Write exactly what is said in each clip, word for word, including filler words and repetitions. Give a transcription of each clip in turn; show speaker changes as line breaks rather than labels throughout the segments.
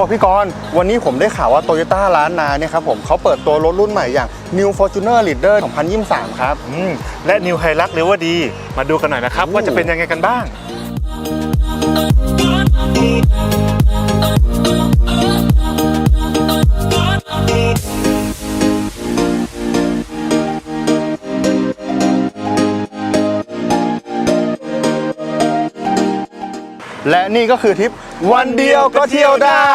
พี่กรณ์วันนี้ผมได้ข่าวว่า Toyota ล้านนาเนี่ยครับผมเขาเปิดตัวรถรุ่นใหม่อย่าง New Fortuner Leader สองพันยี่สิบสาม ครับ
อืมและ New Hilux River-D มาดูกันหน่อยนะครับว่าจะเป็นยังไงกันบ้าง
และนี่ก็คือทริปวันเดียวก็เที่ยวได้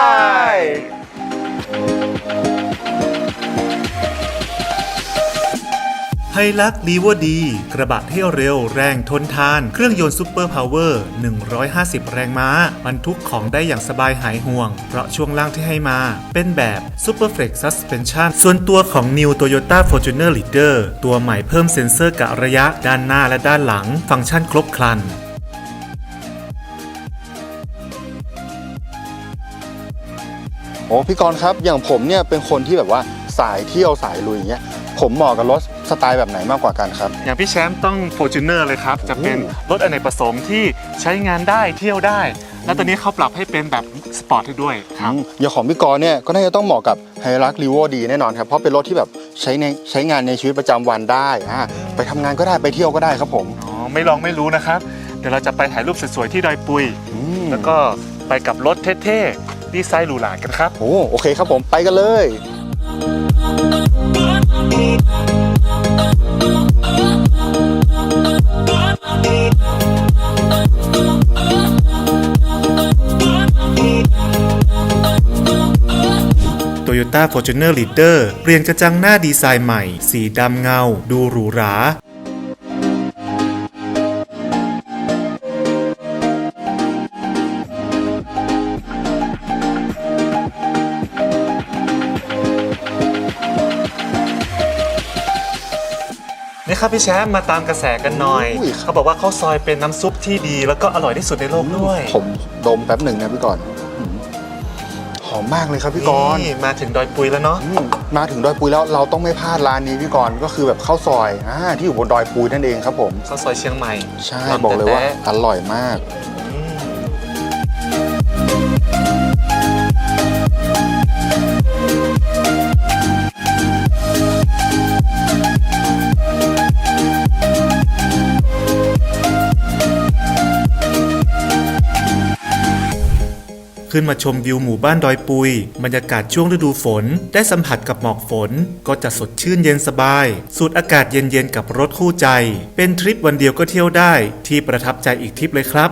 ไฮลักซ์ลีเวอร์ดีกระบะเที่ยวเร็วแรงทนทานเครื่องยนต์ซูเปอร์พาวเวอร์หนึ่งร้อยห้าสิบแรงม้าบรรทุกของได้อย่างสบายหายห่วงเพราะช่วงล่างที่ให้มาเป็นแบบ Super Flex Suspension ส่วนตัวของ New Toyota Fortuner Leader ตัวใหม่เพิ่มเซ็นเซอร์กะระยะด้านหน้าและด้านหลังฟังก์ชันครบครัน
โอ้พี่กรณ์ครับอย่างผมเนี่ยเป็นคนที่แบบว่าสายเที่ยวสายลุยอย่างเงี้ยผมเหมาะกับรถสไตล์แบบไหนมากกว่ากันครับ
อย่างพี่แชมป์ต้อง Fortuner เลยครับจะเป็นรถอเนกประสงค์ที่ใช้งานได้เที่ยวได้แล้วตอนนี้เขาปรับให้เป็นแบบสปอร์ตให้ด้วยครับ
อย่างของพี่กรณ์เนี่ยก็น่าจะต้องเหมาะกับ Hilux River-D แน่นอนครับเพราะเป็นรถที่แบบใช้ในใช้งานในชีวิตประจำวันได้อ่าไปทำงานก็ได้ไปเที่ยวก็ได้ครับผม
อ๋อไม่ลองไม่รู้นะครับเดี๋ยวเราจะไปถ่ายรูปสวยๆที่ดอยปุยแล้วก็ไปกับรถเท่ๆดีไซน์หรูหรากันครับ
โอ้โอเคครับผมไปกันเลย
Toyota Fortuner Leader เปลี่ยนกระจังหน้าดีไซน์ใหม่สีดำเงาดูหรูหรา
นี่ครับพี่แชมป์มาตามกระแสกันหน่อยเขาบอกว่าข้าวซอยเป็นน้ำซุปที่ดีแล้วก็อร่อยที่สุดในโลกด้วย
ผมดมแป๊บหนึ่งนะพี่กรณ์หอมมากเลยครับพี่กรณ์
มาถึงดอยปุยแล้วเนาะ
มาถึงดอยปุยแล้วเราต้องไม่พลาดร้านนี้พี่กรณ์ก็คือแบบข้าวซอยอ่าที่อยู่บนดอยปุยนั่นเองครับผม
ข้าวซอยเชียงใหม่
ใช่บอกเลยว่าอร่อยมาก
ขึ้นมาชมวิวหมู่บ้านดอยปุยบรรยากาศช่วงฤดูฝนได้สัมผัสกับหมอกฝนก็จะสดชื่นเย็นสบายสูดอากาศเย็นๆกับรถคู่ใจเป็นทริปวันเดียวก็เที่ยวได้ที่ประทับใจอีกทริปเลยครับ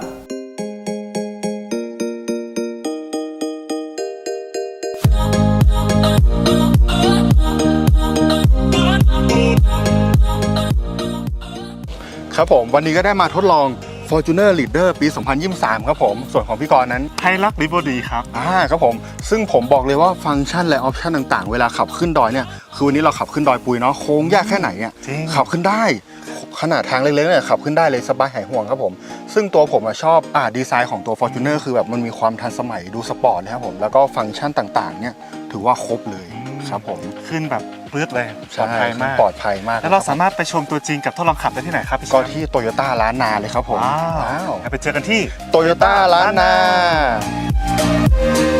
ครับผมวันนี้ก็ได้มาทดลอง Fortuner Leader ปี สองพันยี่สิบสาม ครับผมส่วนของพี่กรณ์นั้น
Hilux River-D ครับ
อ่าครับผมซึ่งผมบอกเลยว่าฟังก์ชันและออปชันต่างๆเวลาขับขึ้นดอยเนี่ยคือวันนี้เราขับขึ้นดอยปุยเนาะโค้งยากแค่ไหนอ่ะขับขึ้นได้ขนาดทางเล็กๆเนี่ยขับขึ้นได้เลยสบายหายห่วงครับผมซึ่งตัวผมชอบอ่าดีไซน์ของตัว Fortuner คือแบบมันมีความทันสมัยดูสปอร์ตนะครับผมแล้วก็ฟังก์ชันต่างๆเนี่ยถือว่าครบเลยครับผม
ขึ้นแบบปื๊ดเลยปลอดภัยมาก
ปลอดภัยมาก
แล้วเราสามารถไปชมตัวจริงกับทดลองขับได้ที่ไหนครับ
ก็ที่โตโยต้าล้านนาเลยครับผม
ว้าวไปเจอกันที่
โตโยต้าล้านนา